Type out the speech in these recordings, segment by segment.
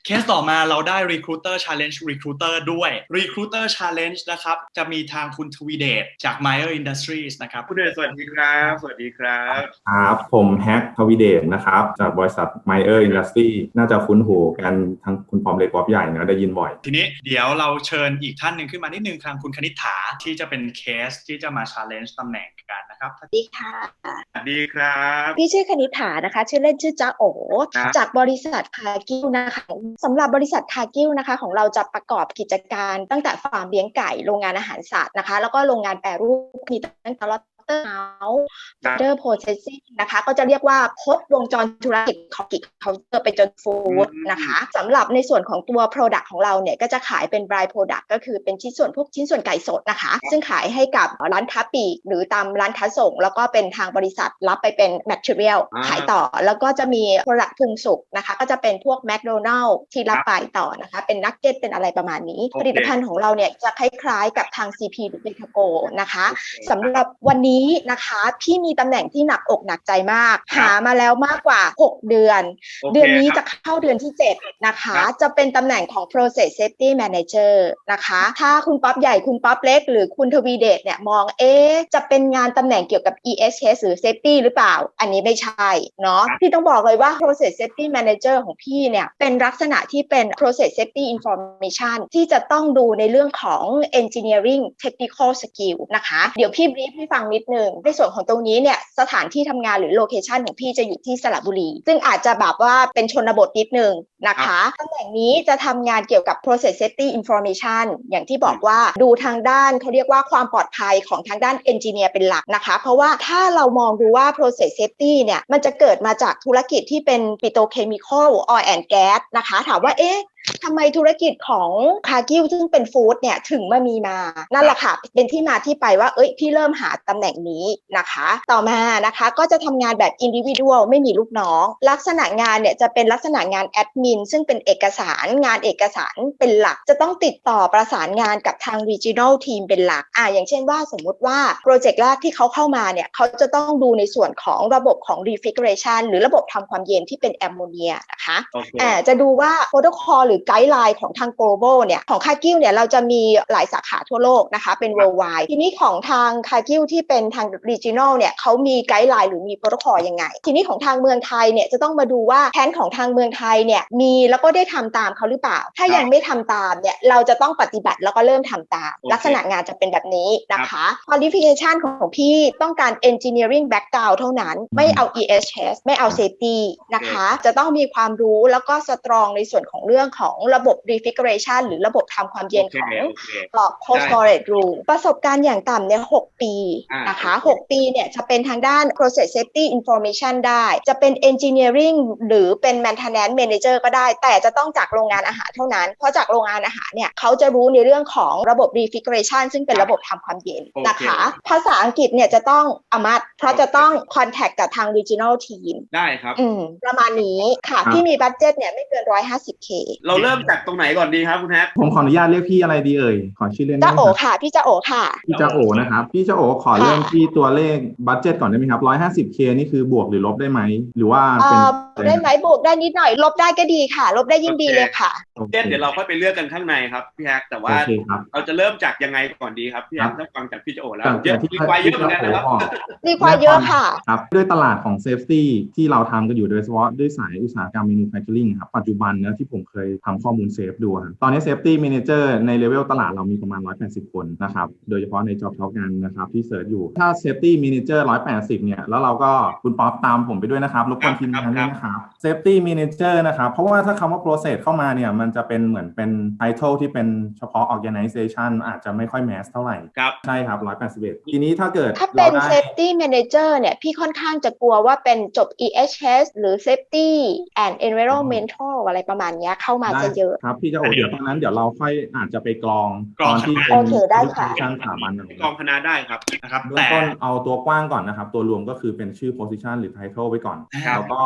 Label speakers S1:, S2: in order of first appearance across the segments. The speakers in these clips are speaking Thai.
S1: เคสต่อมาเราได้ Recruiter Challenge Recruiter ด้วย Recruiter Challenge นะครับจะมีทางคุณทวีเดชจาก Meyer Industries นะครับ
S2: คุณเดชสวัสดีครับสวัสดีครับ
S3: ครับผมแฮกทวีเดชนะครับจากบริษัท Meyer Industry น่าจะคุ้นหูกันทั้งคุณปอมเล็กป๊อบใหญ่นะได้ยินบ่อย
S1: ทีนี้เดี๋ยวเราเชิญอีกท่านหนึ่งขึ้นมานิดนึงทางคุณคณิษฐาที่จะเป็นเคสที่จะมา Challenge ตำแหน่งกันนะครับ
S4: สวัสดีค่ะ
S2: สวัสดีครับ
S4: พี่ชื่อคณิษฐานะคะชื่อเล่นชื่อจ้าโอจากบริษัทคากิวนะคะสำหรับบริษัทคากิวนะคะของเราจะประกอบกิจการตั้งแต่ฟาร์มเลี้ยงไก่โรงงานอาหารสัตว์นะคะแล้วก็โรงงานแปรรูปมีตั้งแต่เฮาส์เดอร์โพรเซสซิ่งนะคะก็จะเรียกว่าครบวงจรธุรกิจของกิจเขาไปจนฟู้ดนะคะสำหรับในส่วนของตัว Product ของเราเนี่ยก็จะขายเป็น Dry Product ก็คือเป็นชิ้นส่วนพวกชิ้นส่วนไก่สดนะคะซึ่งขายให้กับร้านค้าปลีกหรือตามร้านค้าส่งแล้วก็เป็นทางบริษัทรับไปเป็น Material ขายต่อแล้วก็จะมี Product ปรุงสุกนะคะก็จะเป็นพวก McDonald's ที่รับไปต่อนะคะเป็นนักเก็ตเป็นอะไรประมาณนี้ผลิตภัณฑ์ของเราเนี่ยจะคล้ายๆกับทาง CP หรือ Betago นะคะสำหรับวันนี้นะคะพี่มีตำแหน่งที่หนักอกหนักใจมากหามาแล้วมากกว่า6เดือนเดือนนี้จะเข้าเดือนที่7นะคะจะเป็นตำแหน่งของ Process Safety Manager นะคะถ้าคุณป๊อปใหญ่คุณป๊อปเล็กหรือคุณทวีเดชเนี่ยมองจะเป็นงานตำแหน่งเกี่ยวกับ EHS หรือ Safety หรือเปล่าอันนี้ไม่ใช่เนาะพี่ต้องบอกเลยว่า Process Safety Manager ของพี่เนี่ยเป็นลักษณะที่เป็น Process Safety Information ที่จะต้องดูในเรื่องของ Engineering Technical Skill นะคะเดี๋ยวพี่บรีฟให้ฟังนิดนึงในส่วนของตรงนี้เนี่ยสถานที่ทำงานหรือโลเคชันของพี่จะอยู่ที่สระบุรีซึ่งอาจจะแบบว่าเป็นชนบทนิดนึงนะคะตำแหน่งนี้จะทำงานเกี่ยวกับ process safety information อย่างที่บอกว่าดูทางด้านเขาเรียกว่าความปลอดภัยของทางด้าน engineer เป็นหลักนะคะเพราะว่าถ้าเรามองดูว่า process safety เนี่ยมันจะเกิดมาจากธุรกิจที่เป็น petrochemical oil and gas นะคะถามว่าทำไมธุรกิจของคากิวซึ่งเป็นฟู้ดเนี่ยถึงมีมานั่นแหละค่ะเป็นที่มาที่ไปว่าพี่เริ่มหาตำแหน่งนี้นะคะต่อมานะคะก็จะทำงานแบบ individual ไม่มีลูกน้องลักษณะงานเนี่ยจะเป็นลักษณะงานแอดมินซึ่งเป็นเอกสารงานเอกสารเป็นหลักจะต้องติดต่อประสานงานกับทาง regional team เป็นหลักอย่างเช่นว่าสมมุติว่าโปรเจกต์แรกที่เขาเข้ามาเนี่ยเขาจะต้องดูในส่วนของระบบของ refrigeration หรือระบบทำความเย็นที่เป็นแอมโมเนียนะคะจะดูว่าโปรโตคอลหรือไกด์ไลน์ของทาง global เนี่ยของคากิวเนี่ยเราจะมีหลายสาขาทั่วโลกนะคะเป็น worldwide ทีนี้ของทางคากิวที่เป็นทาง regional เนี่ยเขามีไกด์ไลน์หรือมีโปรโตคอลยังไงทีนี้ของทางเมืองไทยเนี่ยจะต้องมาดูว่าแผนของทางเมืองไทยเนี่ยมีแล้วก็ได้ทำตามเขาหรือเปล่าถ้ายังไม่ทำตามเนี่ยเราจะต้องปฏิบัติแล้วก็เริ่มทำตามลักษณะงานจะเป็นแบบนี้นะคะ qualification ของพี่ต้องการ engineering background เท่านั้นไม่เอา EHS ไม่เอา safety นะคะจะต้องมีความรู้แล้วก็ strong ในส่วนของเรื่องของระบบ refrigeration หรือระบบทำความเย็นของcold storage room ประสบการณ์อย่างต่ำเนี่ย6ปีนะคะ6ปีเนี่ยจะเป็นทางด้าน process safety information ได้จะเป็น engineering หรือเป็น maintenance manager ก็ได้แต่จะต้องจากโรงงานอาหารเท่านั้นเพราะจากโรงงานอาหารเนี่ยเขาจะรู้ในเรื่องของระบบ refrigeration ซึ่งเป็นระบบทำความเย็นนะคะภาษาอังกฤษเนี่ยจะต้องเพราะจะต้อง contact กับทาง regional team
S2: ได้ครับ
S4: ประมาณนี้ค่ะพี่มีบัดเจ็ตเนี่ยไม่เกิน 150K
S2: เราเริ่มจากตรงไหนก่อนดีครับคุณแฮก
S3: ผมขออนุญาตเรียกพี่อะไรดีเอ่ยขอชื่อเล่นได้
S4: จ้า
S3: ไหม
S4: โอค่ะพี่จ้าโอค่ะ
S3: พี่จ้าโอนะครับพี่จ้าโอขอเริ่มที่ตัวเลขบัดเจ็ตก่อนได้ไหมครับ 150K นี่คือบวกหรือลบได้ไหมหรือว่าเป็น
S4: ได้ไหมบวกได้นิดหน่อยลบได้ก็ดีค่ะลบได้ยิ่งดีเลยค่ะ
S2: เดี๋ยวเราค่อยไปเลือกกันข้างในครับพี่แฮกแต่ว่าเราจะเริ่มจากยังไงก่อนดีครับพี่แฮกถ้าฟังจากพี่จ้าโอแล้วเยอะรีควายเยอะเหมือนกันนะครับ
S4: รีควายเยอะค่ะ
S3: ครับด้วยตลาดของเซฟตี้ที่เราทำกันอยู่โดยเฉพาะด้วยสายอุตสาหกรรม manufacturing ครับปัจจุบันนะที่ผมเคยทำข้อมูลเซฟดูตอนนี้ Safety Manager ในเลเวลตลาดเรามีประมาณ180คนนะครับโดยเฉพาะใน Job Talk กันนะครับที่เสิร์ชอยู่ถ้า Safety Manager 180เนี่ยแล้วเราก็คุณป๊อปตามผมไปด้วยนะครับรบกวนทีมงานด้วยนะครับ Safety Manager นะครับเพราะว่าถ้าคำว่า process เข้ามาเนี่ยมันจะเป็นเหมือนเป็น title ที่เป็นเฉพาะ organization อาจจะไม่ค่อย mass เท่าไหร่ใช่ครับ181ทีนี้ถ้า
S4: เป็น Safety Manager เนี่ยพี่ค่อนข้างจะกลัวว่าเป็นจบ EHS หรือ Safety and Environmental อะไรประมาณนี้เข้ามาจะเยอะ
S3: ครับพี่จะเดี๋ยวตอนนั้นเดี๋ยวเราค่อยอาจจะไปกรองตอนที่เป็น
S4: position
S3: สถาบัน
S2: กรองคณะได้ครับ
S3: นะครับเบื้องต้นเอาตัวกว้างก่อนนะครับตัวรวมก็คือเป็นชื่อ position หรือ title ไว้ก่อนแล้วก็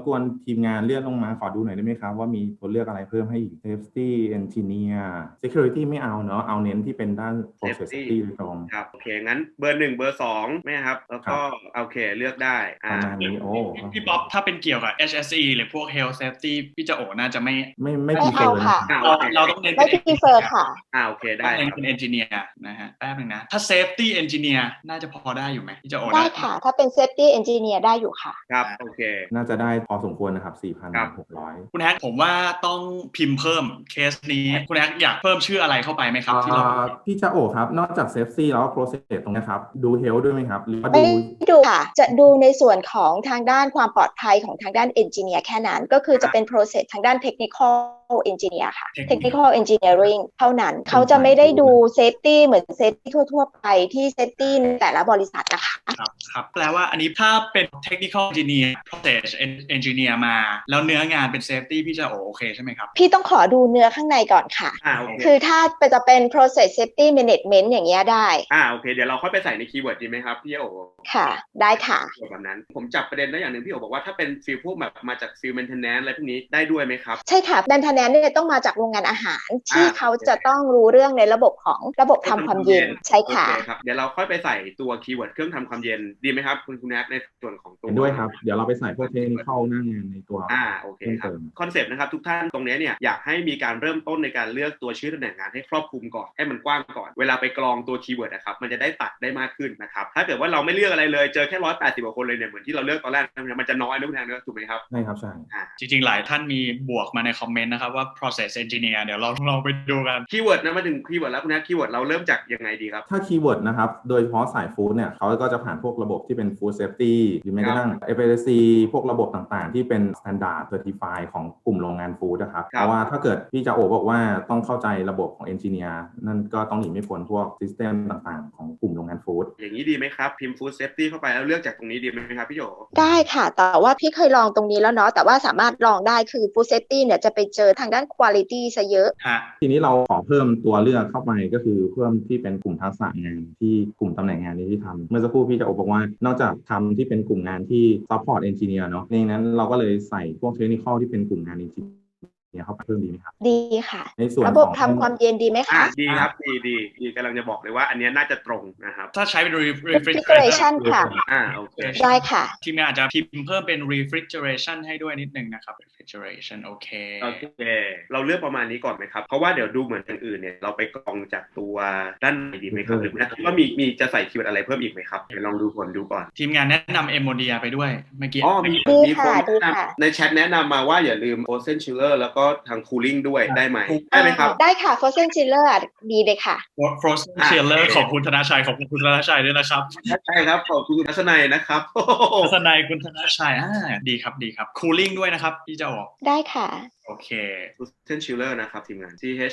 S3: บกวนทีมงานเลื่อนลงมาขอดูหน่อยได้ไหมครับว่ามีตัวเลือกอะไรเพิ่มให้อีก Safety Engineer Security ไม่เอาเนาะเอาเน้นที่เป็นด้าน Process Safety โดยตรง
S2: ครับโอเคงั้นเบอร์1เบอร์2ไหมครับแล้วก็โอเคเลือกได้
S3: ประมาณนี้โอ้
S1: พี่ป๊อปถ้าเป็นเกี่ยวกับ HSE หรือพวก Health Safety พี่จะโอน่าจะไม่
S4: prefer ค่ะ
S1: เราต้องเน้น
S4: ไม่ prefer ค่ะ
S2: โอเคได้
S1: เน้นเป็น Engineer นะฮะแป๊บนึงนะถ้า Safety Engineer น่าจะพอได้อยู่ไหมพี่จะโอ
S4: ได้ค่ะถ้าเป็น Safety Engineer ได้อยู่ค่ะ
S2: ครับโอเค
S3: น่าจะได้พอสมควรนะครับ 4,600
S1: คุณแฮกผมว่าต้องพิมพ์เพิ่มเคสนี้คุณแฮกอยากเพิ่มชื่ออะไรเข้าไปไหมครับที่เรา
S3: พี่จะโอครับนอกจาก Safety แล้ว Process ตรงนี้ครับดู Health ด้วยไหมครับหรือว่า
S4: ไม่ดูค่ะจะดูในส่วนของทางด้านความปลอดภัยของทางด้าน Engineer แค่นั้นก็คือจะเป็น Process ทางด้าน Technical Engineer ค่ะ Technical Engineering เท่านั้นเขาจะไม่ได้ดู Safety เหมือน Safety ทั่วๆไปที่ Safety แต่ละบริษัทนะคะ
S1: ครับแปลว่าอันนี้ถ้าเป็น Technical Engineer Process Engineer มาแล้วเนื้องานเป็น Safety พี่จะโอเคใช่ไหมครับ
S4: พี่ต้องขอดูเนื้อข้างในก่อนค่ะคือถ้าจะเป็น Process Safety Management อย่างเงี้ยได้
S2: โอเคเดี๋ยวเราค่อยไปใส่ในคีย์เวิร์ดดีไหมครับพี่โอ
S4: ค่ะได้ค่ะ
S2: แบบนั้นผมจับประเด็นได้อย่างหนึ่งพี่โอบอกว่าถ้าเป็นฟิลพวกแบบมาจากฟิล maintenance อะไรพวกนี้ได้ด้วยไหมครับ
S4: ใช่ค่ะ maintenance เนี่ยต้องมาจากโรงงานอาหารที่เขาจะต้องรู้เรื่องในระบบของระบบทำความเย็นใช่ค่ะ
S2: ครับเดี๋ยวเราค่อยไปใส่ตัวคีย์เวิร์ดเครื่องทำความเย็นดีไหมครับคุณแนทในส่วนของตัว
S3: ด้วยครับเดี๋ยวเราไปใส่พวกเทคนิคหน้างานในตัว
S2: โอเคครับคอนเซปต์นะครับทุกท่านตรงนี้เนี่ยอยากให้มีการเริ่มต้นในการเลือกตัวชื่อตำแหน่งงานให้ครอบคลุมก่อนให้มันกว้างก่อนเวลาไปกรองตัวคีย์เวิร์ดนะครับมันจะได้ตัดได้มากขึ้นนะครับถ้าเกิดว่าเราไม่เลือกอะไรเลยเจอแค่180กว่าคนเลยเนี่ยเหมือนที่เราเลือกตอนแรกมันจะน้อยนะคุณแทนนะถูกไหมครับ
S3: ใช่ครับใช่
S1: จริงๆหลายท่านมีบวกมาในคอมเมนต์นะครับว่า process engineer เดี๋ยวเราไปดูกัน
S2: คีย์เวิร์ดนะมาถึงคีย์เวิร์ดแล้วคุณแทนคีย์เวิร์ดเราเริ่มจากยังไงดีครับ
S3: ถ้าคีย์เวิร์ดนะครับโดยเฉพาะสายฟู้ดเนี่ยเขาก็จะผ่านพวกระบบที่เป็น food safety หรือแม้กระทั่ง FSC พวกระบบต่างๆที่เป็น standard certify ของกลุ่มโรงงานฟู้ดนะครับเพราะว่าถ้าเกิดพี่จะโอบอกว่าต้องเข้าใจระบบของ engineer นั่นก็ต้องหนีไม่พ้นพวก system ต่างๆของกลุ่มโรงงานฟู้ด
S2: อย่างนี้ดีไหมครับพิมพ์ food safety เข้าไปแล้วเลือกจากตรงนี้ดีไหมครับพี่โย
S4: ได้ค่ะแต่ว่าพี่เคยลองตรงนี้แล้วเนาะแต่ว่าสามารถลองได้คือ food safety เนี่ยจะไปเจอทางด้าน quality ซะเยอะ
S3: ทีนี้เราขอเพิ่มตัวเลือกเข้าไปก็คือเพิ่มที่เป็นกลุ่มทักษะงานที่กลุ่มตำแหน่งงานนี้ที่ทำเมื่อสักครู่พี่จะบอกว่านอกจากทำที่เป็นกลุ่มงานที่ support engineer เนาะในนั้นเราก็เลยใส่พวก technical ที่เป็นกลุ่มงาน engineer เข้าไปเพิ่มดีไหมครับ
S4: ดีค่ะ
S3: ในส่วน
S4: ระบบทำความเย็นดีไหมคะ
S2: ดีครับดีกำลังจะบอกเลยว่าอันนี้น่าจะตรงนะครับ
S1: ถ้าใช้เป็น
S4: refrigeration ค่ะ
S2: โอเค
S4: ได้ค่ะ
S1: ทีมงานอาจจะพิมพ์เพิ่มเป็น refrigeration ให้ด้วยนิดนึงนะครับ refrigeration โอเค
S2: เราเลือกประมาณนี้ก่อนไหมครับเพราะว่าเดี๋ยวดูเหมือนอย่างอื่นเนี่ยเราไปกรองจากตัวด้านในดีไหมครับหรือว่ามีจะใส่คีย์เวิร์ดอะไรเพิ่มอีกไหมครับเดี๋ยวลองดูผลดูก่อน
S1: ทีมงานแนะนำ Emodia ไปด้วยเมื่อกี้
S2: มีคนในแชทแนะนำมาว่าอย่าลืม Frozen Chiller แล้วก็ทาง cooling ด้วยได้ไหมครับ
S4: ได้ค่ะ Frozen Chiller ดีเลยค่ะ
S1: Frozen Chiller ขอบคุณธนาชัยขอบคุณธนาชัยด้วยนะครับ
S2: ใช่ครับขอบคุณทัศนัยนะครับ
S1: ทัศนัยคุณธนาชัยดีครับ cooling ด้วยนะครับพี่จะออก
S4: ได้ค่ะ
S1: โอเค
S2: Frozen Chiller นะครับทีมงาน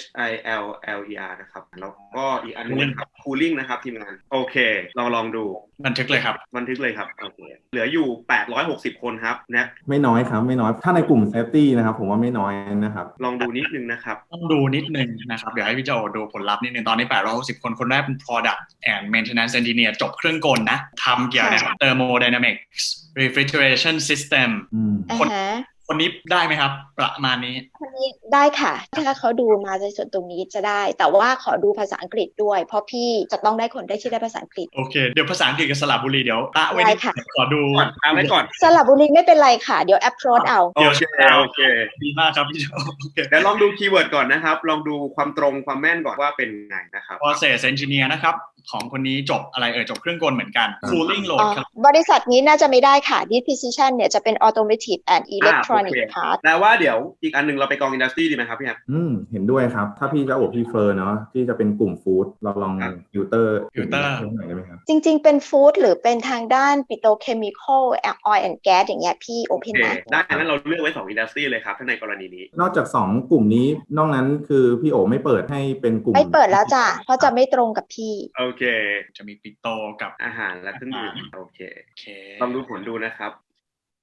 S2: CHILLER นะครับแล้วก็อีกอันนึงนะครับ cooling นะครับทีมงานโอเคลองดู
S1: บันทึกเลยครับ
S2: โอเคเหลืออยู่860คนครับนะ
S3: ไม่น้อยครับไม่น้อยถ้าในกลุ่ม safety นะครับผมว่าไม่น้อยนะครับ
S2: ลองดูนิดนึงนะครับ
S1: ต้องดูนิดนึงนะครับเดี๋ยวให้พี่โจดูผลลัพธ์นิดนึงตอนนี้860คนแรกเป็น product and maintenance engineer จบเครื่องกลนะทำเกี่ยวกับ thermodynamics refrigeration system คนนี้ได้ไหมครับประมาณนี้
S4: คนนี้ได้ค่ะถ้าเขาดูมาในส่วนตรงนี้จะได้แต่ว่าขอดูภาษาอังกฤษด้วยเพราะพี่จะต้องได้คนได้ที่ได้ภาษาอังกฤษ
S1: โอเคเดี๋ยวภาษาอังกฤษกับสระบุรีเดี๋ยวไว้ขอดู
S2: ไว้ก่อน
S4: สระบุรีไม่เป็นไรค่ะเดี๋ยว approach เอา
S2: โอเค
S1: ดีมากครับพี่โจ
S2: เดี๋ยวลองดูคีย์เวิร์ดก่อนนะครับลองดูความตรงความแม่นก่อนว่าเป็นไงนะครับ
S1: process engineer นะครับของคนนี้จบอะไรจบเครื่องกลเหมือนกัน cooling load ครับ
S4: บริษัทนี้น่าจะไม่ได้ค่ะ disposition เนี่ยจะเป็น automotive and electronic part
S2: แต่ว่าเดี๋ยวอีกอันนึงเราไปกอง industry ดีไหมครับพี่แอม
S3: เห็นด้วยครับถ้าพี่จะpreferเนาะที่จะเป็นกลุ่มฟู้ดเราลองฟิลเตอร์หน่อยได้ไหมครับ
S4: จริงๆเป็นฟู้ดหรือเป็นทางด้าน petrochemical oil and gas อย่างเงี้ยพี่ open นะ
S2: ได้งั้นเราเลือกไว้2 industry เลยครับถ้าในกรณีนี้
S3: นอกจาก2กลุ่มนี้นอกนั้นคือพี่โอไม่เปิดให้เป็นกลุ่ม
S4: ไม่เปิดแล้วจ้ะเพราะจะไม่ตรงกับพี่
S2: โอเค
S1: จะมีปิโตกับ
S2: อาหารและเครื่องดื่มโอเคลองดูผลดูนะครับ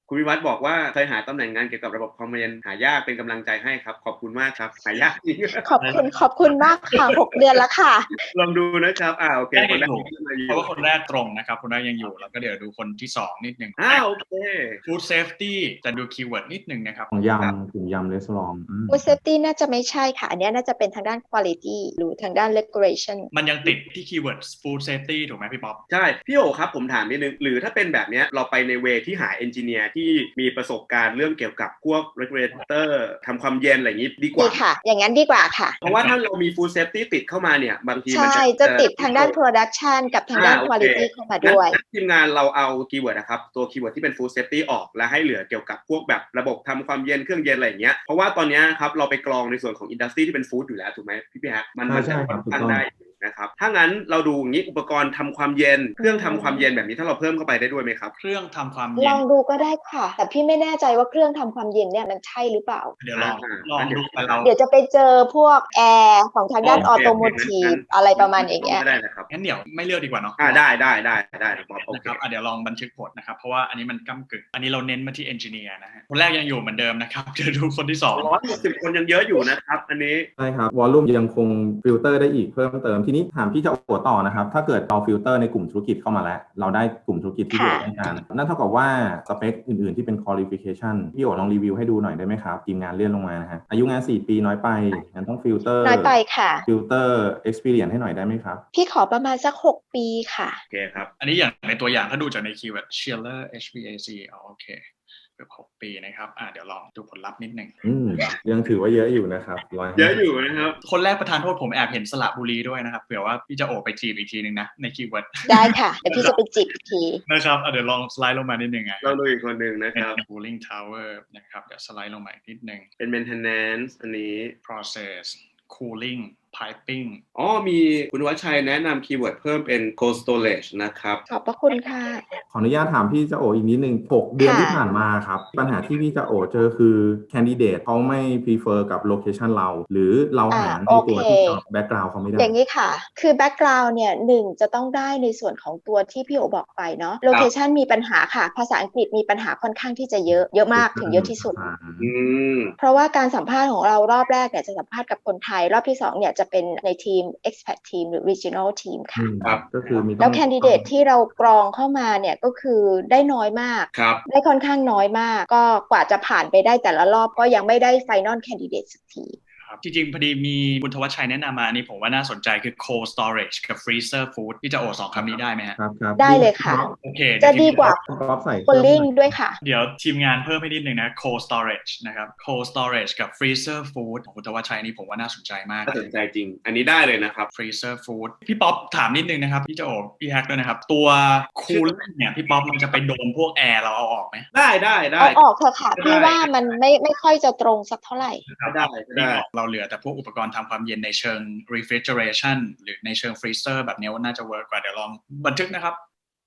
S2: คุณวิวัฒน์บอกว่าเคยหาตำแหน่งงานเกี่ยวกับระบบความเย็นหายากเป็นกำลังใจให้ครับขอบคุณมากครับหายากจริง
S4: ขอบคุณมากค่ะ6 เดือนแล้วค่ะ
S2: ลองดูนะครับโอเคคนแรก
S1: เพราะว่าคนแรกตรงนะครับคนแรกยังอยู่แล้วก็เดี๋ยวดูคนที่2นิดนึง
S2: โอเค
S1: Food Safety จะดูคีย์เวิร์ดนิดนึงนะครับ
S3: ของกลุ่มยำรีสอร์ท
S4: Food Safety น่าจะไม่ใช่ค่ะอันนี้น่าจะเป็นทางด้าน Quality หรือทางด้าน Regulation
S1: มันยังติดที่คีย์เวิร์ด Food Safety ถูกไหมพี่ป๊อป
S2: ใช่พี่โอครับผมถามนิดนึงหรือถ้าเป็นแบบนี้เราไปในเวที่หาเอนจิเนียร์ที่มีประสบการณ์เรื่องเกี่ยวกับพวก regulator ทำความเย็นอะไรอย่างนี้ดีกว่า
S4: ค่ะอย่างนั้นดีกว่าค่ะ
S2: เพราะว่าถ้าเรามี Food Safety ติดเข้ามาเนี่ยบางที
S4: มันจะติดทางด้าน Production กับทางด้าน Quality เข้ามาด้วย
S2: ทีมงานเราเอาคีย์เวิร์ดนะครับตัวคีย์เวิร์ดที่เป็น Food Safety ออกและให้เหลือเกี่ยวกับพวกแบบระบบทำความเย็นเครื่องเย็นอะไรอย่างเงี้ยเพราะว่าตอนนี้ครับเราไปกรองในส่วนของอินดัสทรีที่เป็นฟู้ดอยู่แล้วถูกไหมพี่ฮะมันจะตั้งได้นะครับถ้างั้นเราดูอย่างนี้อุปกรณ์ทำความเย็นเครื่องทำความเย็นแบบนี้ถ้าเราเพิ่มเข้าไปได้ด้วยไหมครับ
S1: เครื่องทำความเย็น
S4: ลองดูก็ได้ค่ะแต่พี่ไม่แน่ใจว่าเครื่องทำความเย็นเนี่ยมันใช่หรือเปล่า
S1: เดี๋ยวลองดูไป
S4: เดี๋ยวจะไปเจอพวกแอร์ของทางด้านออโตโมทีฟอะไรประมาณอย่างเงี้ย
S2: ได้นะครับ
S1: งั้นเดี๋ยวไม่เลือกดีกว่าเนาะ
S2: ได้
S1: ครับโอเคเดี๋ยวลองบันทึกผลนะครับเพราะว่าอันนี้มันก้ำกึ่งอันนี้เราเน้นมาที่เอนจิเนียร์นะฮะคนแรกยังอยู่เหมือนเดิมนะครับเดี๋ยวดูคนที่
S2: 160คนยังเยอะอยู่นะครับอันนี้
S3: ใช่ครับวอลลุ่มยังคงฟิลเตอร์ได้อีกเพิ่มเติมทีนี้ถามพี่จะโอต่อนะครับถ้าเกิดเอาฟิลเตอร์ในกลุ่มธุรกิจเข้ามาแล้วเราได้กลุ่มธุรกิจที่พี่โอต้องการนั่นเท่ากับว่าสเปคอื่นๆที่เป็น qualification พี่โอลองรีวิวให้ดูหน่อยได้ไหมครับทีมงานเลื่อนลงมานะฮะอายุงาน4 ปีน้อยไปงั้นต้องฟิลเตอร์
S4: น้อยไปค่ะ
S3: ฟิลเตอร์ experience ให้หน่อยได้ไหมครับ
S4: พี่ขอประมาณสัก6 ปีค่ะ
S2: โอเคครับ
S1: อันนี้อย่างในตัวอย่างถ้าดูจากในคีย์เวิร์ด Schiller HVAC โอเคเกือบ6 ปีนะครับเดี๋ยวลองดูผลลัพธ์นิดนึง
S3: ยังถือว่าเยอะอยู่นะครับ
S2: เยอะอยู่นะครับ
S1: คนแรกประธานโทษผมแอบเห็นสระบุรีด้วยนะครับเผื่อว่าพี่จะโอไปจีบอีกทีนึงนะในคีย์เวิร์ด
S4: ได้ค่ะเดี๋ยวพี่จะไปจีบอีกที
S1: นะครับเดี๋ยวลองสไลด์ลงมานิดนึง
S2: เราดูอีกคนนึงนะครับ
S1: cooling tower นะครับเดี๋ยวสไลด์ลงมาอีกนิดนึง
S2: เป็น maintenance อันนี้
S1: process cooling piping
S2: มีคุณวัชชัยแนะนำคีย์เวิร์ดเพิ่มเป็น cold storage นะครับ
S4: ขอบพระคุณค่ะ
S3: ขออนุญาตถามพี่จะโออีกนิดนึง6 เดือนที่ผ่านมาครับปัญหาที่พี่จะโอเจอคือ candidate เขาไม่ prefer กับ location เราหรือเราหาในตัวที่ background เขาไม่ได้
S4: อย่างนี้ค่ะคือ background เนี่ย1จะต้องได้ในส่วนของตัวที่พี่โอบอกไปเนาะ location มีปัญหาค่ะภาษาอังกฤษมีปัญหาค่อนข้างที่จะเยอะมากถึงเยอะที่สุดเพราะว่าการสัมภาษณ์ของเรารอบแรกเนี่ยจะสัมภาษณ์กับคนไทยรอบที่2เนี่ยจะเป็นในทีม expat team หรือ regional team ค่ะ
S3: ก็คือมี
S4: แล้ว candidate ที่เรากรองเข้ามาเนี่ยก็คือได้น้อยมากได้ค่อนข้างน้อยมากก็กว่าจะผ่านไปได้แต่ละรอบก็ยังไม่ได้ final candidate สักที
S1: จริงๆพอดีมีคุณธวัชชัยแนะนำมานี่ผมว่าน่าสนใจคือ cold storage กับ freezer food ที่จะโอ2คำนี้ได้ไหม
S3: ครับ
S4: ได้เลยค่ะ
S1: โอเค
S4: จะดีกว่า cooling ด้วยค่ะ
S1: เดี๋ยวทีมงานเพิ่มให้นิดนึงนะ cold storage นะครับ cold storage กับ freezer food ของคุณธวัชชัยนี่ผมว่าน่าสนใจมาก
S2: น่าสนใจจริงอันนี้ได้เลยนะครับ
S1: freezer food พี่ป๊อปถามนิดนึงนะครับพี่จะโอพี่แฮกด้วยนะครับตัว cooling เนี่ยพี่ป๊อปมันจะไปโดนพวกแอร์เราเอาออกไหม
S2: ได้
S4: เอาออกเถอะค่ะพี่ว่ามันไม่ค่อยจะตรงสักเท่าไหร่
S2: ได้
S1: เราเหลือแต่พวกอุปกรณ์ทำความเย็นในเชิง refrigeration หรือในเชิง freezer แบบนี้ว่าน่าจะเวิร์กกว่าเดี๋ยวลองบันทึกนะครับ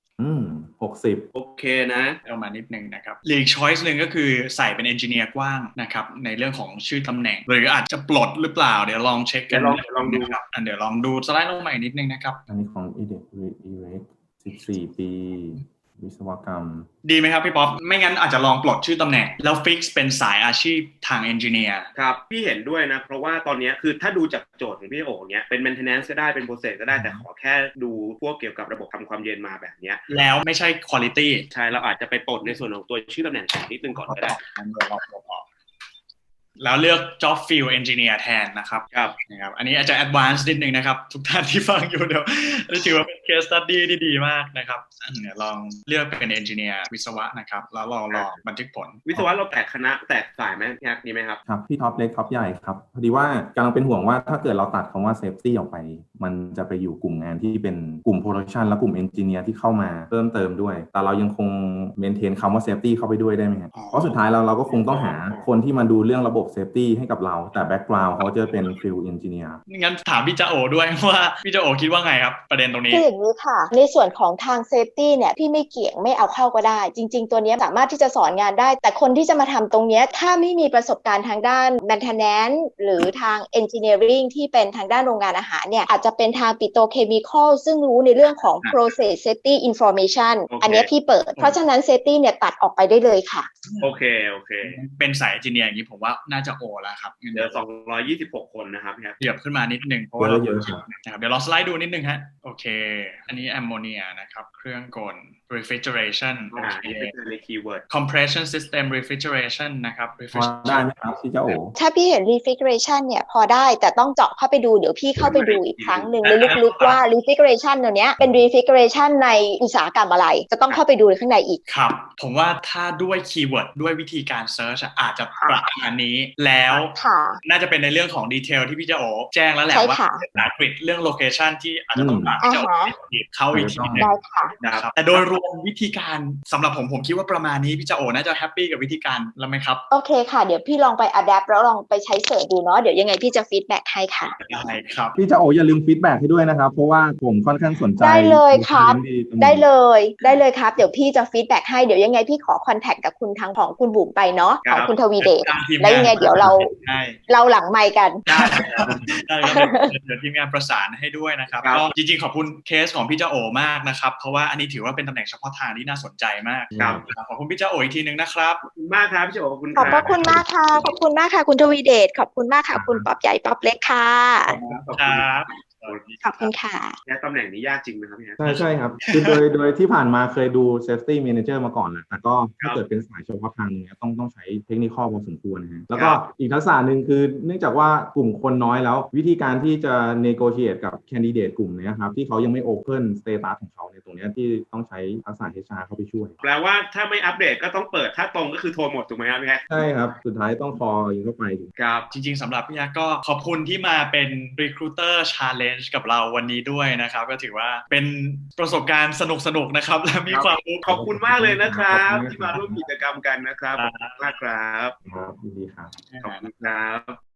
S3: 60
S2: โอเคนะ
S1: เอามานิดนึงนะครับอีก choice นึงก็คือใส่เป็น engineer กว้างนะครับในเรื่องของชื่อตำแหน่งหรืออาจจะปลดหรือเปล่าเดี๋ยวลองเช็คกัน
S2: ลองดู
S1: ครับเดี๋ยวลองดูสไลด์ลงมาอีกนิดนึงนะครับ
S3: อันนี้ของ EDEC 14 ปีวิศวกรรม
S1: ดีไหมครับพี่ป๊อปไม่งั้นอาจจะลองปลดชื่อตำแหน่งแล้วฟิกซ์เป็นสายอาชีพทางเอนจิเนียร์
S2: ครับพี่เห็นด้วยนะเพราะว่าตอนนี้คือถ้าดูจากโจทย์ของพี่โอ๋เนี้ยเป็น maintenance ก็ได้เป็น process ก็ได้แต่ขอแค่ดูพวกเกี่ยวกับระบบทำความเย็นมาแบบนี้
S1: แล้วไม่ใช่ quality
S2: ใช่เราอาจจะไปปลดในส่วนของตัวชื่อตำแหน่งนิดนึงก่อนก็ได้
S1: แล้วเลือก job field engineer แทนนะครับนะครับอันนี้อาจจะ advanced นิดนึงนะครับทุกท่านที่ฟังอยู่เดี๋ยวถือว่าเป็น case study ที่ดีมากนะครับเนี่ยลองเลือกเป็น engineer วิศวะนะครับแล้วลองบันทึกผล
S2: วิศวะเราแตกคณะแตกสายไหมพี่ฮักดีไหมครับ
S3: ครับพี่ท็อปเล็กท็อปใหญ่ครับพอดีว่ากำลังเป็นห่วงว่าถ้าเกิดเราตัดคำว่า safety ออกไปมันจะไปอยู่กลุ่มงานที่เป็นกลุ่ม production และกลุ่ม engineer ที่เข้ามาเพิ่มเติมด้วยแต่เรายังคง maintain คำว่า safety เข้าไปด้วยได้ไหมครับเพราะสุดท้ายเราก็คงต้องหาคนที่มาดูเรื่องระบบሴፍቲให้กับเราแต่ background เขาจะเป็น field engineer
S1: งั้นถามพี่จาโอด้วยว่าพี่จาโอคิดว่าไงครับประเด็นตรงนี้
S4: คืออย่างนี้ค่ะในส่วนของทาง safety เนี่ยพี่ไม่เกี่ยงไม่เอาเข้าก็ได้จริงๆตัวนี้สามารถที่จะสอนงานได้แต่คนที่จะมาทำตรงนี้ถ้าไม่มีประสบการณ์ทางด้าน maintenance หรือทาง engineering ที่เป็นทางด้านโรงงานอาหารเนี่ยอาจจะจะเป็นทางปิโตรเคมีคอลซึ่งรู้ในเรื่องของ process safety information อันนี้พี่เปิดเพราะฉะนั้น safety เนี่ยตัดออกไปได้เลยค่ะ
S2: โอเค
S1: เป็นสายเอนจิเนียร์อย่างนี้ผมว่าน่าจะโอแล้วครับ
S2: เหลือ226 คนนะครับ
S1: เหยียบขึ้นมานิดนึงเพราะว่าเยอะนะครับเดี๋ยวเราสไลด์ดูนิดนึงฮะโอเคอันนี้แอมโมเนียนะครับเครื่องกล refrigeration
S2: ในคีย์เวิร์ด
S1: compression system refrigeration นะครับ
S3: ได้ไหมครับพี่เจ้าโอ
S4: ถ้าพี่เห็น refrigeration เนี่ยพอได้แต่ต้องเจาะเข้าไปดูเดี๋ยวพี่เข้าไปดูอีกครั้งหนึ่งลึกๆว่า refrigeration ตัวเนี้ยเป็น refrigeration ในอุตสาหกรรมอะไรจะต้องเข้าไปดูข้างในอีก
S1: ครับผมว่าถ้าด้วยคีย์เวิร์ดด้วยวิธีการ search อาจจะประมาณนี้แล้วน่าจะเป็นในเรื่องของดีเทลที่พี่เจ้าโอแจ้งแล้วแหละว่าอังกฤษเรื่อง location ที่อาจจะต้องการจะเข้าอีกทีนึงนะครับแต่โดยรวมวิธีการสำหรับผมคิดว่าประมาณนี้พี่เจ้าโอน่าจะแฮปปี้กับวิธีการแล้วไหมครับ
S4: โอเคค่ะเดี๋ยวพี่ลองไป adapt แล้วลองไปใช้เสิร์ชดูเนาะเดี๋ยวยังไงพี่จะ feedback ให้ค่ะ
S1: ได้ครับ
S3: พี่เจ้าโออย่าลืม feedback ให้ด้วยนะครับเพราะว่าผมค่อนข้างสนใจ
S4: ได้เลยครับได้เลยครับเดี๋ยวพี่จะ feedback ให้เดี๋ยวยังไงพี่ขอ contact กับคุณทางของคุณบุ๋มไปเนาะของคุณทวีเดชแล้วยังไงเดี๋ยวเราหลังไมค์กัน
S1: ได้เดี๋ยวทีมงานประสานให้ด้วยนะครับก็จริงๆขอบคุณเคสของพี่เจ้าโอมากนะครับเพราะว่าอันนี้ถือว่าเป็นตำแหน่งเฉพาะทางที่น่าสนใจมากครับขอบคุณพี่เจ้าโออีกทีนึงนะครับ
S2: ขอบคุณมากครับพี่เจ้าโอขอบคุณ
S4: ขอบคุณมากค่ะขอบคุณมากค่ะคุณทวีเดชขอบคุณมากค่ะคุณป๊อบใหญ่ป๊อบเล็กค่ะ
S1: ครับ
S4: ขอบคุณค่ะ
S2: ตำแหน่งนี้ยากจริงไหมครับพี่
S3: ใช่ครับคือโดยที่ผ่านมาเคยดู safety manager มาก่อนแหละแต่ก็ถ้าเกิดเป็นสายเฉพาะทางเนี่ยต้องใช้เทคนิคพอสมควรนะฮะแล้วก็อีกทักษะหนึ่งคือเนื่องจากว่ากลุ่มคนน้อยแล้ววิธีการที่จะ negotiate กับ candidate กลุ่มนี้ครับที่เขายังไม่ open status ของเขาในตรงนี้ที่ต้องใช้ทักษะ HR เข้าไปช่วย
S2: แปลว่าถ้าไม่อัปเดตก็ต้องเปิดถ้าตรงก็คือโทรหมดถูกไหมครับพี่
S3: ใช่ครับสุดท้ายต้องคอยิงเข้าไป
S1: ครับจริงๆสำหรับพี่ยักษ์ก็ขอบคุณที่มาเป็น recruiter challenge กับเราวันนี้ด้วยนะครับก็ถือว่าเป็นประสบการณ์สนุกๆนะครับและมีความรู้
S2: ขอบคุณมากเลยนะครับที่มาร่วมกิจกรรมกันนะครับขอบคุณมากครับ
S3: ดีครับ
S2: ขอบคุณครับ